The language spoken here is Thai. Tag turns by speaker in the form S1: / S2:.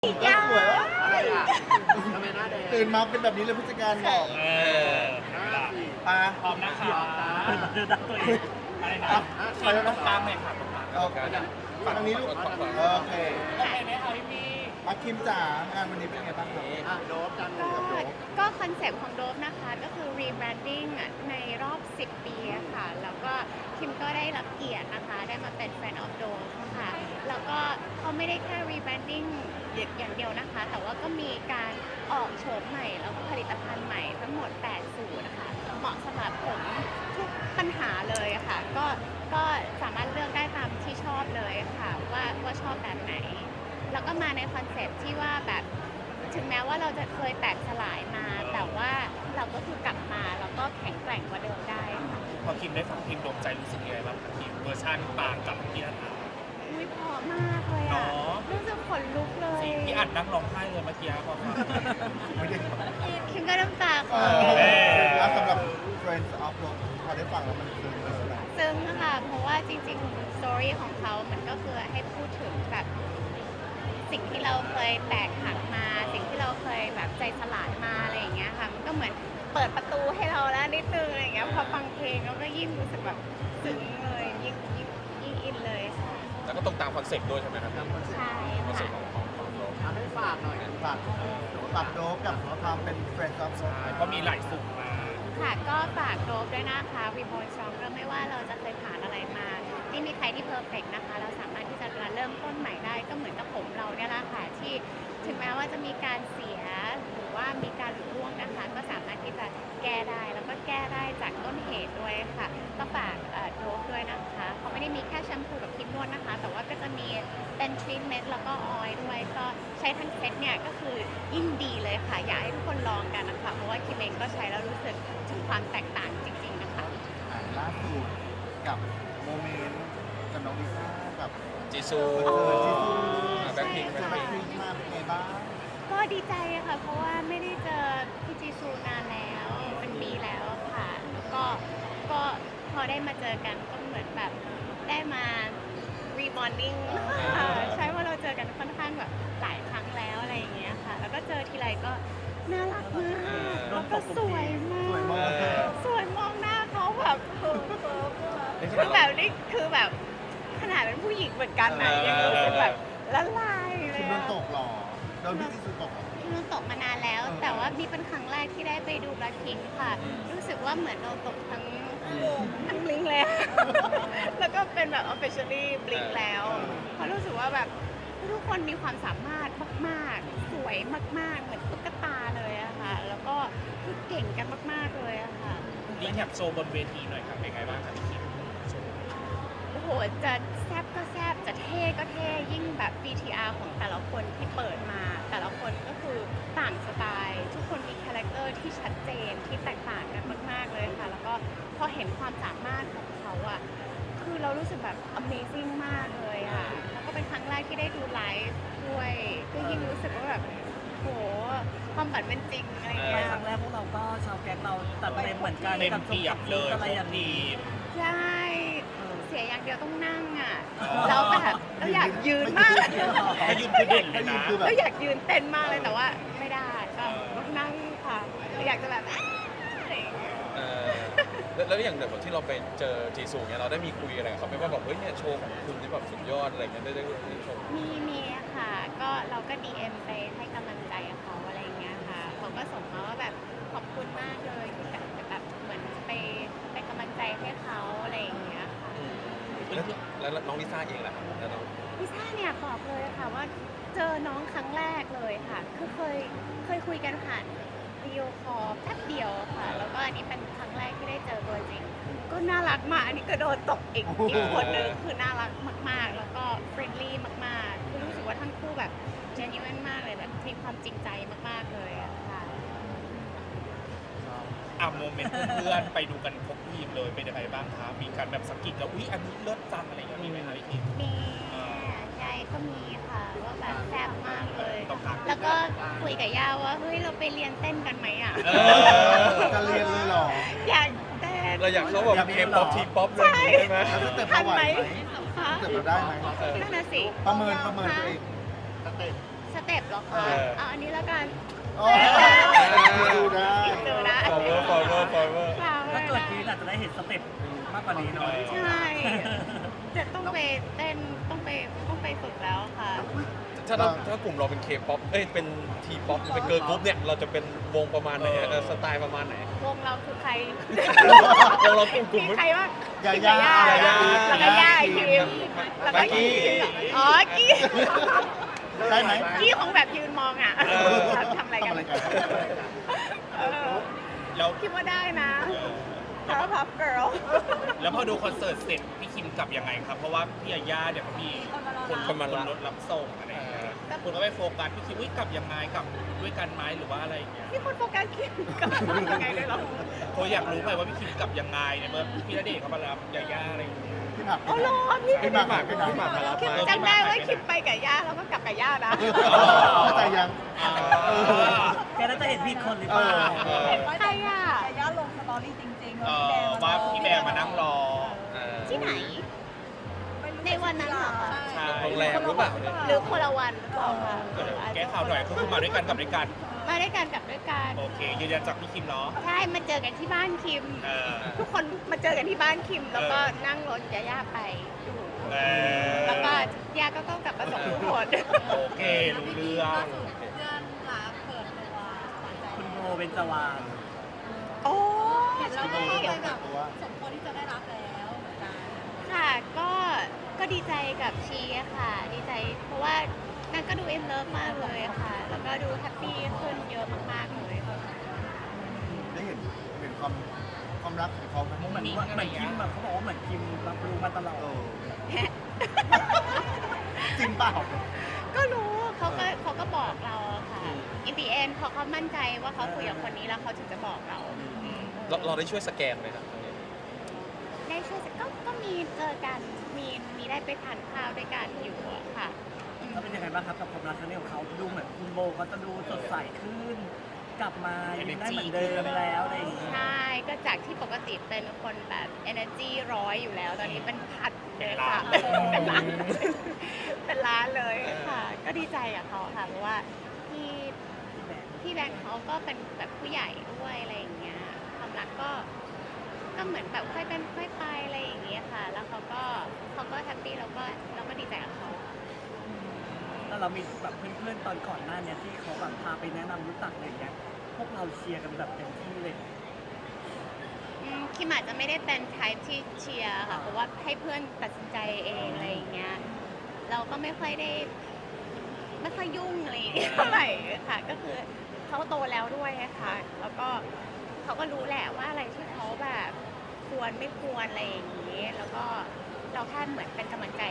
S1: อีกอย่าง
S2: สวยวะ
S3: อะไรอ่ะทำไมหน้าแดง
S2: ตื่นมาเป็นแบบนี้เลยผู้จัดการบอก อ่ะ
S1: พร้อมนะคะเดินดักตัวเองอะไรนะ
S2: ไปแล้วนะ
S1: ตามเลยค่ะตรงกลาง
S2: โอเคฝั่งนี้ลูกโอเค
S1: โอเคไหมคะพี่
S2: อาคิมจ๋างานวันนี้เป็นไงบ้างครับ
S3: โดบจังเล
S4: ก็
S3: ยกับโดบ
S4: ก็คอนเซปต์ของโดฟนะคะก็คือ rebranding ในรอบ 10 ปีอะค่ะ แล้วก็คิมก็ได้รับเกียรตินะคะ ได้มาเป็น Friend of Dove ค่ะ แล้วก็เขาไม่ได้แค่ rebranding อย่างเดียวนะคะ แต่ว่าก็มีการออกโฉมใหม่แล้วก็ผลิตภัณฑ์ใหม่ทั้งหมด 8 สูตรนะคะ เหมาะสำหรับผมทุกปัญหาเลยอะค่ะ ก็สามารถเลือกได้ตามที่ชอบเลยค่ะ ว่าชอบแบบไหน แล้วก็มาในคอนเซปต์ที่ว่าแบบถึงแม้ว่าเราจะเคยแตกสลายมา แต่ว่าเราก็คือกลับมาแล้วก็แข็งแกร่งกว่าเดิมได้ค่ะ
S1: พอคิมได้ฟังเพลงดวงใจรู้สึกยังไงบ้างคะคิมเวอร์ชันปางกับพี่อัน
S4: อุ้ยเพราะมากเลยอ่ะ
S1: เนาะ
S4: รู้สึกขนลุกเลย
S1: พี่อัดนั่งร้องไห้เลยเมื่อกี้พอฟัง
S2: ไม่ได้
S4: คิมก็น้ำตาคลอ
S2: แล้วสำหรับ Friends of Love พอได้ฟังแล้วมันคืออะไร
S4: ซึ้งค่ะเพราะว่าจริงๆ สตอรี่ของเขามันก็คือให้พูดถึงแบบสิ่งที่เราเคยแตกหักมา สิ่งที่เราเคยแบบใจสลายมาอะไรอย่างเงี้ยค่ะ มันก็เหมือนเปิดประตูให้เราแล้วนิดนึงอะไรอย่างเงี้ย พอฟังเพลงเราก็ยิ่งรู้สึกแบบซึ้งเลยยิ่งอินเลยค่ะ
S5: แล้วก็ตรงตามคอนเซ็ปต์ด้วยใช่ไหมครับ
S4: ใช่
S5: คอนเซ็ป
S4: ค่ะ
S5: ต์ของเรา
S3: ทำให้ฝากหน่อย
S2: ฝากโดบกับความเป็น Friends of
S1: ใช่
S2: Love
S1: เพราะมีหลายสูตรมา
S4: ค่ะก็ฝากโดบด้วยนะคะวีโบนซองก็ไม่ว่าเราจะเคยผ่านอะไรมาไม่มีใครที่เพอร์เฟกนะคะ เราสามารถที่จะเริ่มต้นใหม่ได้ก็เหมือนกับผมเราเนี่ยแหละค่ะที่ถึงแม้ว่าจะมีการเสียหรือว่ามีการหลุดร่วงนะคะ ก็สามารถที่จะแก้ได้แล้วก็แก้ได้จากต้นเหตุด้วยค่ะก็ฝากโดบด้วยนะคะเขาไม่ได้มีแค่แชมพูกับครีมนวดนะคะ แต่ว่าก็จะมีเป็นทรีทเมนต์แล้วก็ออยล์ด้วยก็ใช้ทั้งเซตเนี่ยก็คือยิ่งดีเลยค่ะอยากให้ทุกคนลองกันนะคะเพราะว่าคิมเองก็ใช้แล้วรู้สึกถึงความแตกต่างจริงๆนะคะ
S2: ล่าสุดกับโมเมนต์กับน้องลิซ่ากับ
S5: จีซู
S2: คอนเสิร์ตที่
S5: แบ็คพิง
S2: แบ็คพิงมาเป็นไงบ้าง
S4: ก็ดีใจอะค่ะ เพราะว่าไม่ได้เจอพี่จีซูนานแล้วเป็นปีแล้วค่ะแล้วก็พอได้มาเจอกันก็เหมือนแบบได้มาrebonding ใช่ว่าเราเจอกันค่อนข้างแบบหลายครั้งแล้วอะไรอย่างเงี้ยค่ะ แล้วก็เจอทีไรก็น่ารักมากแล้วก็สวยมาก
S2: สวยมาก
S4: สวยมองหน้าเขาแบบคือแบบนี่คือแบบขนาดเป็นผู้หญิงเหมือนกันนะยังรู้สึกแบบละลายเล
S2: คิ
S4: ย
S2: มโด
S4: อะ
S2: นตกหรอโดนพี่จีซูตกหรอ
S4: ที่โดนตกมานานแล้ว แต่ว่ามีเป็นครั้งแรกที่ได้ไปดูแบล็คพิงค์ค่ะ รู้สึกว่าเหมือนโดนตกทั้งบลิงเลย แล้วก็เป็นแบบ officially บลิงแล้วเพราะรู้สึกว่าแบบทุกคนมีความสามารถมากๆ สวยมากๆ เหมือนตุ๊กตาเลยอะค่ะ แล้วก็คือเก่งกันมากๆเลยอะค่ะ
S1: รีแคปโชว์บนเวทีหน่อยครับเป็นไงบ้างครับพี่คิมโชว์
S4: โอ้โห จะแซบก็แซบจะเท่ก็เท่ ยิ่งแบบ BTR ของแต่ละคนที่เปิดมา แต่ละคนก็คือต่างสไตล์ ทุกคนมีคาแรคเตอร์ที่ชัดเจนที่แตกต่างกันมาก ๆ เลยค่ะ แล้วก็พอเห็นความสามารถของเขาอะคือเรารู้สึกแบบ amazing มากเลยอะแล้วก็เป็นครั้งแรกที่ได้ดูไลฟ์ด้วยก็ยิ่งรู้สึกว่าแบบโหความฝันเป็นจริงอะไร
S6: ไป
S4: เงี้ย
S6: ครั้งแรกพวกเราก็ชาวแก๊งเราตัดเต็มเหมือนกัน
S1: เต็ม
S6: กับ
S1: เปียบเลย
S6: อะไร
S1: พ
S6: อ
S1: ว
S6: ย่าก ง
S1: ที
S6: นี้
S1: ม
S4: ใช่ เสียอย่างเดียวต้องนั่งอ่ะ
S1: อ๋อ
S4: แล้วแบบเราอยากยืนมาก
S1: ถ้ายืนคือเด่นเล
S2: ถ้าย ยื
S1: นะ
S2: นคือแบบ
S4: เราอยากยืนเต้นมากเลยแต่ว่าไม่ได้ก็ต้องนั่งค่ะเราอยากจะแบบอะไรอย่างเงี้ย
S5: แล้วอย่างแบบที่เราไปเจอจีซูเนี่ยเราได้มีคุยอะไรกับเขาไหมว่าแบบเฮ้ยเนี่ยโชว์ของคุณนี่แบบสุดยอดอะไรเงี้ยได้ชม
S4: มีค่ะ ก็เราก็ DM ไปให้กำลังใจเขาอะไรอย่างเงี้ยค่ะเขาก็ส่งมาว่าแบบขอบคุณมากเลยที่แบบเหมือนไปกำลังใจให้เขาอะไรอย่างเงี้ยค่ะ
S5: แล้วน้องลิซ่าเองล่ะครับแล้วน้อง
S4: ลิซ่าเนี่ยบอกเลยค่ะว่าเจอน้องครั้งแรกเลยค่ะ คือเคยคุยกันผ่านวิดีโอคอลแป๊บเดียวค่ะ แล้วก็อันนี้เป็นครั้งแรกที่ได้เจอตัวจริง ก็น่ารักมากอันนี้ก็โดนตกอีกคนนึงคือน่ารักมากๆ แล้วก็เฟรนลี่มากๆคือรู้สึกว่าทั้งคู่แบบ genuine มากเลยแบบมีความจริงใจมากๆเลยอะค่ะ
S1: อ่ะโมเมนต์เพื่อนๆไปดูกันครบทีมเลยเป็นยังไงบ้างครับมีการแบบสกิดแล้วอุ๊ยอันนี้เลิศจังอะไรอย่างเงี้ยมีไหมครับพี่คิม
S4: มียายก็มีค่ะว่าแบบแซ่บมากเลย
S1: ต้องพัก
S4: แล้วก็คุยกับย่าว่าเฮ้ยเราไปเรียนเต้นกันไหมอ่ะ
S2: จะเรียนเลยเหรอ
S4: อยากเต้น
S5: เราอยากเข้าแบบเคป๊อปทีป๊อปเลยางงี้ใช่ไหม
S2: แล้วสเต็ป
S4: ทั
S2: เรา
S4: น
S2: ไหว
S4: ไหม
S2: ไหม
S4: คะ
S2: สเต็ปเราได้ไหม
S4: นั่นน่ะสิ
S2: ประเมินตัวเอง
S3: สเต็ป
S4: สเต็ปเหรอคะเอาอันนี้แล้วกัน
S2: อ๋อดูได้
S4: ดูนะ
S5: forever
S6: ถ้าเกิดพีอาจจะได้เห็นสเต็ปมากกว่านี้หน่อย
S4: ใช่จะต้องไปเต้นต้องไปฝึกแล้วค่ะ
S5: ถ้ากลุ่มเราเป็นเคป๊อปเป็นทีป๊อปเป็นเกิร์ลกรุ๊ปเนี่ยเราจะเป็นวงประมาณไหนสไตล์ประมาณไหน
S4: วงเราคือใคร
S5: วงเรากลุ่ม
S4: มีใครบ้าง
S2: ยาย่า
S4: แล้วก็ย่าคิมแล้วก็กี้อ๋อกี้
S2: ได้ไหม
S4: กี้คงแบบยืนมองอ่ะทำอะไรกัน
S1: แล้ว
S4: คิดว่าได้นะพับเกิร์ล
S1: แล้วพอดูคอนเสิร์ตเสร็จพี่คิมกลับยังไงครับ เพราะว่าพี่ยาย่าเนี่ยเขามีคนรถรับส่งอะไรอย่างเงี้ยคนก็ไปโฟกัสพี่คิมกลับยังไงกลับด้วยกันไหมหรือว่าอะไรอย่างเงี้ย
S4: มีคนโฟกัสคิมกับยังไงเลยเหรอ
S1: เขาอยากรู้ไปว่าพี่คิมกลับยังไงเนี่ยเมื่อพี่ณเดชน์เขามารับยาย่าอะไรอย่างเงี้ย
S2: พี่หนัก
S4: อ๋อเหรอพี่
S2: พี่หนักพี่หนัก
S5: มารับ
S4: คิม
S5: มา
S4: จำได้ว่าคิมไปกับย่าแล้วก็กลับกับย่านะ
S2: เข้าใจยัง
S6: แกน่าจะเห็นผิดคนหรือเปล่า
S4: ใครอ่ะ
S7: แต่ย่าลงสตอรี่จริงๆ
S1: ว่าพี่แบร์มานั่งรอ
S4: ที่ไหน ในวันนั้นเหรอคะ
S1: ใช่
S5: โรงแรมหรือเปล่าเนี่ย
S4: หรือคนละวันหรือเปล่าคะ
S1: แก้ข่าวหน่อยคือมาด้วยกันกลับด้วยกัน
S4: มาด้วยกันกลับด้วยกัน
S1: โอเคยืนยันจากพี่คิมเนาะ
S4: ใช่มาเจอกันที่บ้านคิม
S1: เออ
S4: ทุกคนมาเจอกันที่บ้านคิม แล้วก็นั่งรถย่าไปดู
S1: เออ
S4: แล้วก็ย่าก็ต้องกลับมาส่งทุกคน
S1: โอเครู้เรื่อง
S7: เพื่อนรักเปิดตัวหวานใจ
S6: คุณโบเบญจวรรณ
S4: โอ้
S7: เห็นแล้ว
S4: ใช่
S7: ก็เลยแบบสมควรที่จะได้รับแล้วเหมือนกัน
S4: ค่ะก็ดีใจกับชีอะค่ะ ดีใจเพราะว่านางก็ดูเอ็นเลิฟมากเลยอะค่ะ แล้วก็ดูแฮปปี้ขึ้นเยอะมากๆเลยค่ะ
S2: ได้เห็นความรักของเขาไหม
S6: เหมือนคิมแบบเขาบอกว่าเหมือนคิมรับรู้มาตลอด
S2: จริงเปล่า
S4: ก็รู้เขาก็บอกเราอะค่ะ in the end พอเขามั่นใจว่าเขาคุยกับคนนี้แล้วเขาถึงจะบอกเรา
S5: เราได้ช่วยสแกนไหมครับ
S4: ได้ช่วยก็มีเจอกันมีได้ไปทานข้าวด้วยกันอยู่อะค่ะ
S6: ก็เป็นยังไงบ้างครับกับความรักครั้งนี้ของเขาดูเหมือนคุณโบเขาจะดูสดใสขึ้น กลับมายังได้เหมือนเดิมแล้วอะไรอย่างเงี้ย
S4: ใช่ ก็จากที่ปกติเป็นคนแบบ energy 100อยู่แล้ว ตอนนี้เป็นพัดเลยค่ะ เป็นล้านเป็นล้านเลยค่ะ ก็ดีใจกับเขาค่ะ เพราะว่าพี่แบงค์เขาก็เป็นแบบผู้ใหญ่ด้วยอะไรอย่างเงี้ย ความรักก็เหมือนแบบค่อยเป็นค่อยไปอะไรอย่างเงี้ยค่ะ แล้วเขาก็แฮปปี้เราก็ดีใจกับเขา
S6: แล้วเรามีแบบเพื่อนๆตอนก่อนหน้าเนี่ยที่เขาแบบพาไปแนะนำรู้จักอะไรอย่างเงี้ย พวกเราเชียร์กันแบบเต็มที่เลย
S4: คิมอาจจะไม่ได้เป็นไทป์ที่เชียร์ค่ะ เพราะว่าให้เพื่อนตัดสินใจเองอะไรอย่างเงี้ย เราก็ไม่ค่อยยุ่งอะไรอย่างเงี้ยเท่าไหร่ค่ะ ก็คือเขาโตแล้วด้วยอะค่ะ แล้วก็เขาก็รู้แหละว่าอะไรที่เขาแบบควรไม่ควรอะไรอย่างงี้ แล้วก็เราแค่เหมือนเป็นกำลังใจ